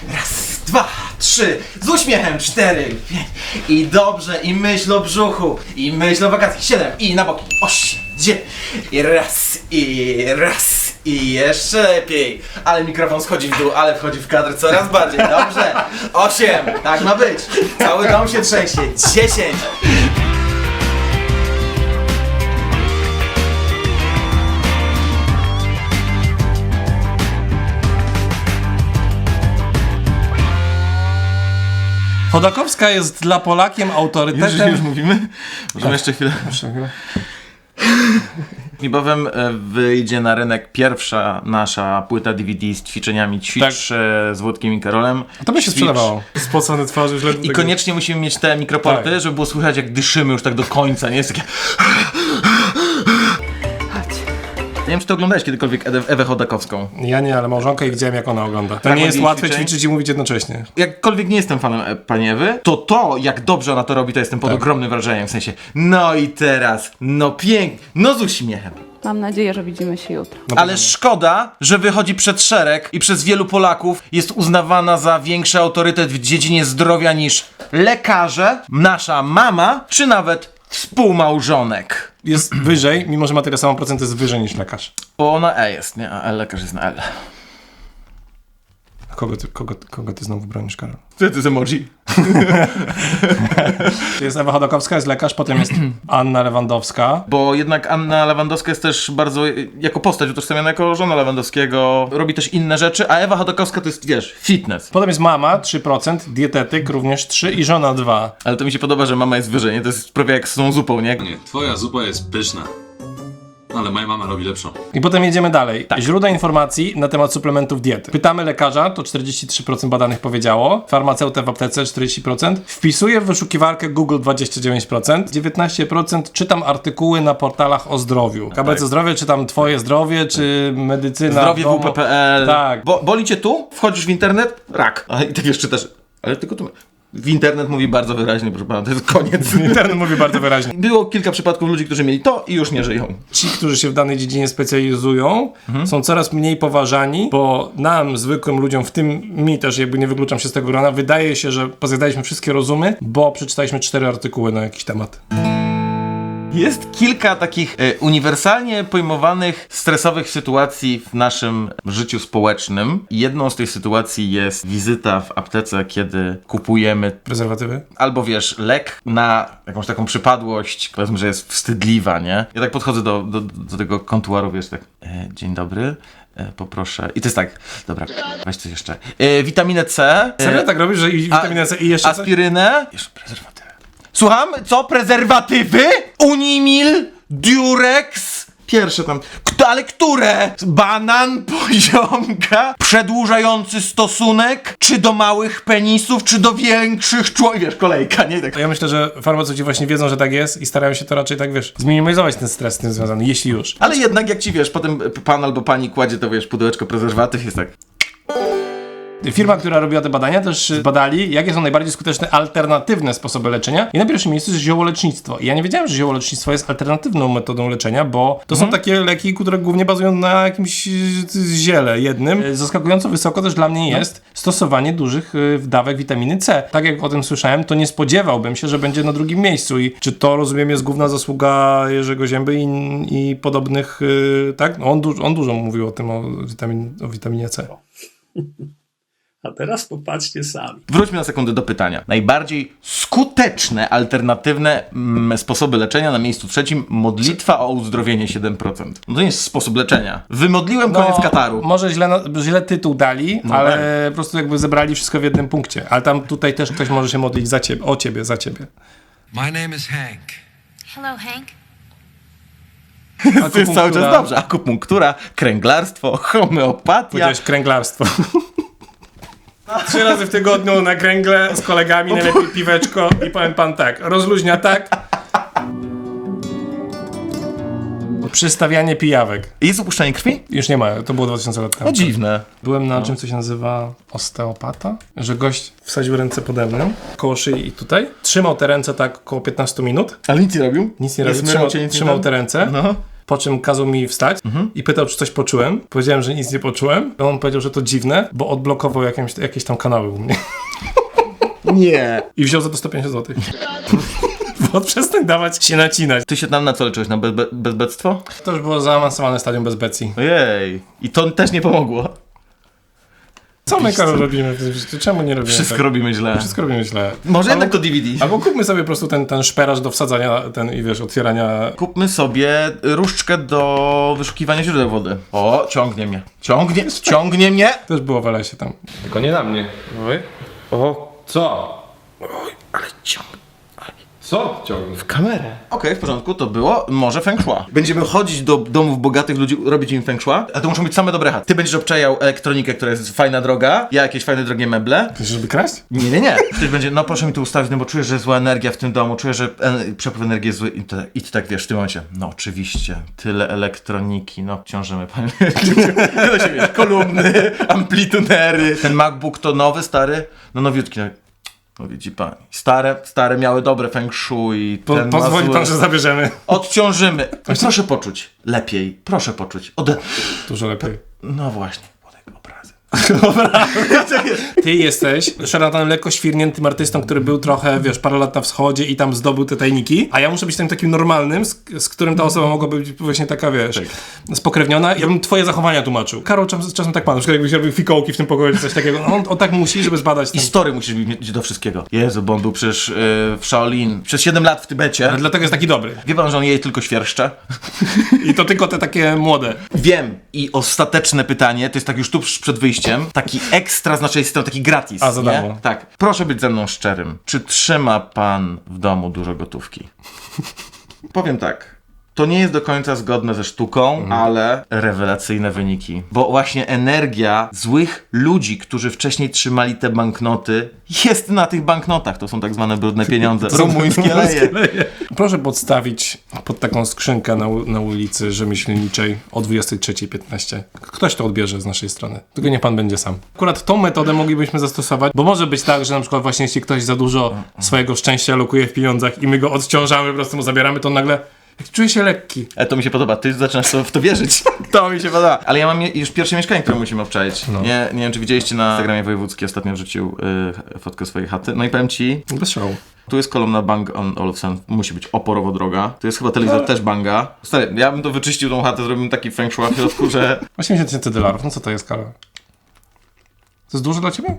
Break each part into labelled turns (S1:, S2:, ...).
S1: Raz, dwa, trzy, z uśmiechem, 4, 5. I dobrze, i myśl o brzuchu, i myśl o wakacjach, 7, i na boki, 8, 9. I raz, i jeszcze lepiej. Ale mikrofon schodzi w dół, ale wchodzi w kadr coraz bardziej, dobrze. 8, tak ma być. Cały dom się trzęsie, 10.
S2: Chodakowska jest dla Polakiem autorytetem.
S1: Już mówimy? Możemy jeszcze chwilę. Niebawem wyjdzie na rynek pierwsza nasza płyta DVD z ćwiczeniami Ćwicz z Włodkiem i Karolem.
S2: To by się sprzedawało. Spocone twarze już ledwo.
S1: I koniecznie musimy mieć te mikroporty,
S2: tak,
S1: żeby było słychać, jak dyszymy już tak do końca, nie jest takie... Nie wiem, czy ty oglądałeś kiedykolwiek Ewę Chodakowską.
S2: Ja nie, ale małżonka i widziałem, jak ona ogląda. To
S1: Tak,
S2: nie jest
S1: jej
S2: łatwe
S1: ćwiczeń.
S2: ćwiczyć i mówić jednocześnie.
S1: Jakkolwiek nie jestem fanem pani Ewy, to jak dobrze ona to robi, to jestem pod ogromnym wrażeniem. W sensie, no i teraz, no pięknie, no z uśmiechem.
S3: Mam nadzieję, że widzimy się jutro.
S1: Ale szkoda, że wychodzi przed szereg i przez wielu Polaków jest uznawana za większy autorytet w dziedzinie zdrowia niż lekarze, nasza mama, czy nawet współmałżonek.
S2: Jest wyżej, mimo że ma tyle samo procent, jest wyżej niż lekarz.
S1: Bo ona E jest, nie? A lekarz jest na L.
S2: Kogo ty znowu bronisz, Karol?
S1: Co to jest emoji?
S2: Jest Ewa Chodakowska, jest lekarz, potem jest Anna Lewandowska.
S1: Bo jednak Anna Lewandowska jest też bardzo, jako postać utożsamiana jako żona Lewandowskiego, robi też inne rzeczy, a Ewa Chodakowska to jest, wiesz, fitness.
S2: Potem jest mama, 3%, dietetyk również 3 i żona 2.
S1: Ale to mi się podoba, że mama jest wyżej, nie? To jest prawie jak z tą zupą, nie?
S4: Nie, twoja zupa jest pyszna, ale moja mama robi lepszą.
S2: I potem jedziemy dalej. Źródła informacji na temat suplementów diety. Pytamy lekarza, to 43% badanych powiedziało. Farmaceutę w aptece 40%. Wpisuję w wyszukiwarkę Google 29%. 19% czytam artykuły na portalach o zdrowiu. KBC Zdrowie, czytam Twoje zdrowie, czy medycyna
S1: Zdrowie
S2: w domu.
S1: WP.pl.
S2: Tak.
S1: Boli cię tu? Wchodzisz w internet? Rak. A i tak jeszcze czytasz. Ale tylko tu... W internet mówi bardzo wyraźnie, proszę pana, to jest koniec.
S2: Internet mówi bardzo wyraźnie.
S1: Było kilka przypadków ludzi, którzy mieli to i już nie żyją.
S2: Ci, którzy się w danej dziedzinie specjalizują, są coraz mniej poważani, bo nam, zwykłym ludziom, w tym mi też, jakby nie wykluczam się z tego grona, wydaje się, że pozjadaliśmy wszystkie rozumy, bo przeczytaliśmy 4 artykuły na jakiś temat.
S1: Jest kilka takich uniwersalnie pojmowanych stresowych sytuacji w naszym życiu społecznym. Jedną z tych sytuacji jest wizyta w aptece, kiedy kupujemy
S2: Prezerwatywy?
S1: albo wiesz, lek na jakąś taką przypadłość, powiedzmy, że jest wstydliwa, nie? Ja tak podchodzę do tego kontuaru, wiesz, tak, dzień dobry, poproszę. I to jest tak, dobra, weź coś jeszcze. Witaminę C.
S2: Serio tak robisz, że i witaminę C i jeszcze coś?
S1: Aspirynę. Jeszcze prezerwatywę. Słucham? Co? Prezerwatywy? Unimil? Durex? Pierwsze tam. Ale które? Banan, poziomka, przedłużający stosunek, czy do małych penisów, czy do większych członków. Wiesz, kolejka, nie? Tak.
S2: Ja myślę, że farmaceuci właśnie wiedzą, że tak jest i starają się to raczej tak, wiesz, zminimalizować ten stres z tym związany, jeśli już.
S1: Ale jednak jak ci, wiesz, potem pan albo pani kładzie to, wiesz, pudełeczko prezerwatyw, jest tak.
S2: Firma, która robiła te badania, też badali, jakie są najbardziej skuteczne alternatywne sposoby leczenia. I na pierwszym miejscu jest ziołolecznictwo. I ja nie wiedziałem, że ziołolecznictwo jest alternatywną metodą leczenia, bo to są takie leki, które głównie bazują na jakimś ziele jednym. Zaskakująco wysoko też dla mnie jest stosowanie dużych dawek witaminy C. Tak jak o tym słyszałem, to nie spodziewałbym się, że będzie na drugim miejscu. I czy to, rozumiem, jest główna zasługa Jerzego Zięby i podobnych, tak? No on dużo mówił o tym, o witaminie C.
S5: A teraz popatrzcie sami.
S1: Wróćmy na sekundę do pytania. Najbardziej skuteczne, alternatywne sposoby leczenia na miejscu trzecim modlitwa o uzdrowienie 7%. No to nie jest sposób leczenia. Wymodliłem koniec kataru.
S2: Może źle tytuł dali, ale po prostu jakby zebrali wszystko w jednym punkcie. Ale tam tutaj też ktoś może się modlić za ciebie, o ciebie, za ciebie.
S6: My name is Hank.
S7: Hello, Hank.
S1: To jest cały czas dobrze. Akupunktura, kręglarstwo, homeopatia.
S2: Powiedziałeś kręglarstwo. 3 razy w tygodniu na kręgle z kolegami, najlepiej piweczko i powiem pan tak, rozluźnia tak. Przystawianie pijawek.
S1: Jest upuszczanie krwi?
S2: Już nie ma, to było 2000 lat temu.
S1: No dziwne.
S2: Byłem na czym, co się nazywa osteopata, że gość wsadził ręce pode mną, koło szyi i tutaj. Trzymał te ręce tak około 15 minut.
S1: Ale nic nie robił?
S2: Nic nie robił, trzymał te ręce.
S1: No.
S2: Po czym kazał mi wstać i pytał, czy coś poczułem. Powiedziałem, że nic nie poczułem. On powiedział, że to dziwne, bo odblokował jakieś tam kanały u mnie.
S1: Nie.
S2: I wziął za to 150 zł. Bo przestań dawać się nacinać.
S1: Ty się tam na co leczyłeś? Na bezbectwo?
S2: To już było zaawansowane stadium bezbecji.
S1: Ojej. I to też nie pomogło.
S2: Co my, Karol, robimy w tym życiu? Czemu nie robimy
S1: Wszystko
S2: tak?
S1: robimy źle.
S2: Wszystko robimy źle.
S1: Może jednak to DVD.
S2: Albo kupmy sobie po prostu ten szperaż do wsadzania, i wiesz, otwierania...
S1: Kupmy sobie różdżkę do wyszukiwania źródeł wody. O, ciągnie mnie. Ciągnie mnie.
S2: Też było w lesie tam. Tylko nie na mnie. Oj.
S1: O,
S2: Co?
S1: ale ciągnie.
S2: Co ciągnie?
S1: W kamerę. Okej, w porządku, to było może feng shui. Będziemy chodzić do domów bogatych ludzi, robić im feng shui, a to muszą być same dobre chaty. Ty będziesz obczajał elektronikę, która jest fajna, droga, ja jakieś fajne, drogie meble.
S2: Chcesz, żeby kraść?
S1: Nie. Ktoś będzie, no proszę mi tu ustawić, no bo czuję, że zła energia w tym domu, czuję, że przepływ energii jest zły i ty tak wiesz w tym momencie. No oczywiście, tyle elektroniki, no obciążymy panie. Tyle się wiesz, kolumny, amplitunery. Ten MacBook to nowy, stary? No nowiutki. No widzi pani. Stare miały dobre feng shui.
S2: Pozwoli pan, że zabierzemy.
S1: Odciążymy. Proszę poczuć. Lepiej. Proszę poczuć.
S2: Dużo lepiej.
S1: No właśnie. Młodego obrazy.
S2: Ty jesteś szarlatanem lekko świrniętym artystą, który był trochę, wiesz, parę lat na wschodzie i tam zdobył te tajniki, a ja muszę być tym takim normalnym, z którym ta osoba mogłaby być właśnie taka, wiesz, spokrewniona. Ja bym twoje zachowania tłumaczył. Karol czasem tak ma, na przykład jakbyś robił fikołki w tym pokoju czy coś takiego. No, on tak musi, żeby zbadać ten...
S1: I story musisz mieć do wszystkiego. Jezu, bo on był przecież w Shaolin. Przez 7 lat w Tybecie.
S2: Ale dlatego jest taki dobry.
S1: Wie pan, że on je tylko świerszcze?
S2: I to tylko te takie młode.
S1: Wiem. I ostateczne pytanie, to jest tak już tuż przed wyjściem, taki ekstra z naszej strony, taki gratis.
S2: A, za
S1: nie?
S2: darmo.
S1: Tak. Proszę być ze mną szczerym. Czy trzyma pan w domu dużo gotówki? Powiem tak. To nie jest do końca zgodne ze sztuką, ale rewelacyjne wyniki. Bo właśnie energia złych ludzi, którzy wcześniej trzymali te banknoty, jest na tych banknotach. To są tak zwane brudne pieniądze. Rumuńskie leje.
S2: Proszę podstawić pod taką skrzynkę na ulicy Rzemieślniczej o 23:15. Ktoś to odbierze z naszej strony. Tylko nie pan będzie sam. Akurat tą metodę moglibyśmy zastosować, bo może być tak, że na przykład właśnie jeśli ktoś za dużo swojego szczęścia lokuje w pieniądzach i my go odciążamy, po prostu mu zabieramy, to nagle czuję się lekki.
S1: To mi się podoba, ty zaczynasz w to wierzyć. To mi się podoba. Ale ja mam już pierwsze mieszkanie, które musimy obczaić. No. Nie wiem, czy widzieliście na Instagramie wojewódzki, ostatnio wrzucił fotkę swojej chaty. No i powiem ci,
S2: Bez szału.
S1: tu jest kolumna Bang Olufsen, musi być oporowo droga. Tu jest chyba telewizor też Banga. Stary, ja bym to wyczyścił tą chatę, zrobił taki feng shui w środku, że...
S2: $80,000, no co to jest, Karol? To jest dużo dla ciebie?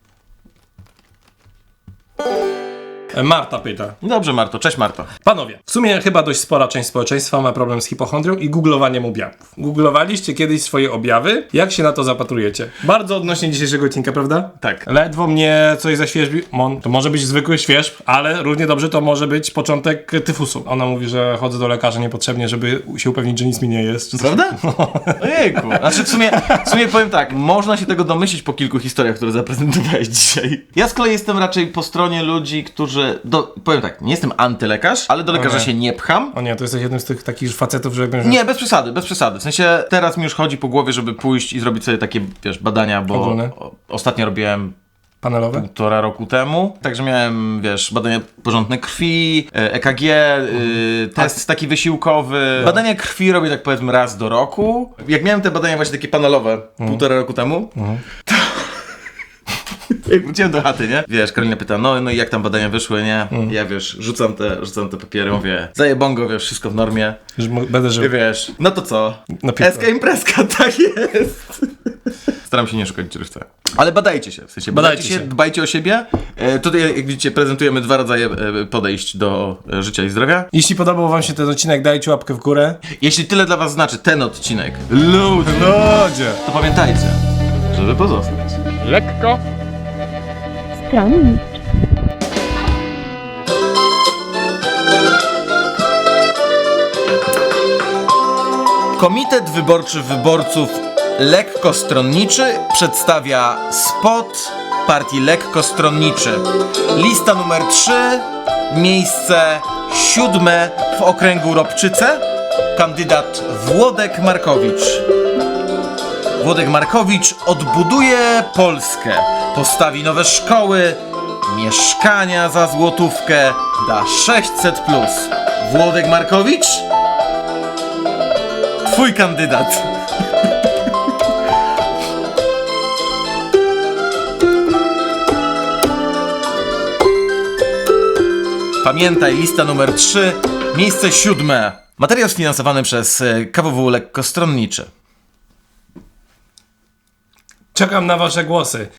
S2: Marta pyta.
S1: Dobrze, Marto. Cześć, Marto.
S2: Panowie, w sumie chyba dość spora część społeczeństwa ma problem z hipochondrią i googlowaniem objawów. Googlowaliście kiedyś swoje objawy? Jak się na to zapatrujecie? Bardzo odnośnie dzisiejszego odcinka, prawda?
S1: Tak.
S2: Ledwo mnie coś zaświeżbi. To może być zwykły świeżb, ale równie dobrze to może być początek tyfusu. Ona mówi, że chodzę do lekarza niepotrzebnie, żeby się upewnić, że nic mi nie jest.
S1: Prawda? Ojejku. Znaczy w sumie powiem tak, można się tego domyślić po kilku historiach, które zaprezentowałeś dzisiaj. Ja z kolei jestem raczej po stronie ludzi, którzy... powiem tak, nie jestem antylekarz, ale do lekarza się nie pcham.
S2: O nie, to jesteś jednym z tych takich facetów, że jakbym...
S1: Nie, bez przesady. W sensie teraz mi już chodzi po głowie, żeby pójść i zrobić sobie takie, wiesz, badania, bo
S2: Ogólne?
S1: ostatnio robiłem
S2: Panelowe?
S1: 1,5 roku temu. Także miałem, wiesz, badania porządne krwi, EKG, test taki wysiłkowy. Badania krwi robię tak powiedzmy raz do roku. Jak miałem te badania właśnie takie panelowe 1,5 roku temu, to... Jak wróciłem do chaty, nie? Wiesz, Karolina pyta, no i jak tam badania wyszły, nie? Ja, wiesz, rzucam te papiery, mówię, zajebongo, wiesz, wszystko w normie.
S2: Że będę żył.
S1: I wiesz, no to co?
S2: No piwko.
S1: Eska imprezka, tak jest. Staram się nie szukać czerwca. Ale badajcie się, w sensie badajcie się, dbajcie o siebie. Tutaj, jak widzicie, prezentujemy 2 rodzaje podejść do życia i zdrowia.
S2: Jeśli podobał wam się ten odcinek, dajcie łapkę w górę.
S1: Jeśli tyle dla was znaczy ten odcinek,
S2: Ludzie!
S1: to pamiętajcie, żeby pozostać.
S2: Lekko.
S3: Stronniczo.
S1: Komitet Wyborczy Wyborców Lekkostronniczy przedstawia spot partii Lekkostronniczy. Lista numer 3, miejsce 7 w okręgu Ropczyce, kandydat Włodek Markowicz. Włodek Markowicz odbuduje Polskę, postawi nowe szkoły, mieszkania za złotówkę, da 600+. Włodek Markowicz? twój kandydat. Pamiętaj, lista numer 3, miejsce 7. Materiał sfinansowany przez KWW Lekkostronniczy.
S2: Czekam na wasze głosy.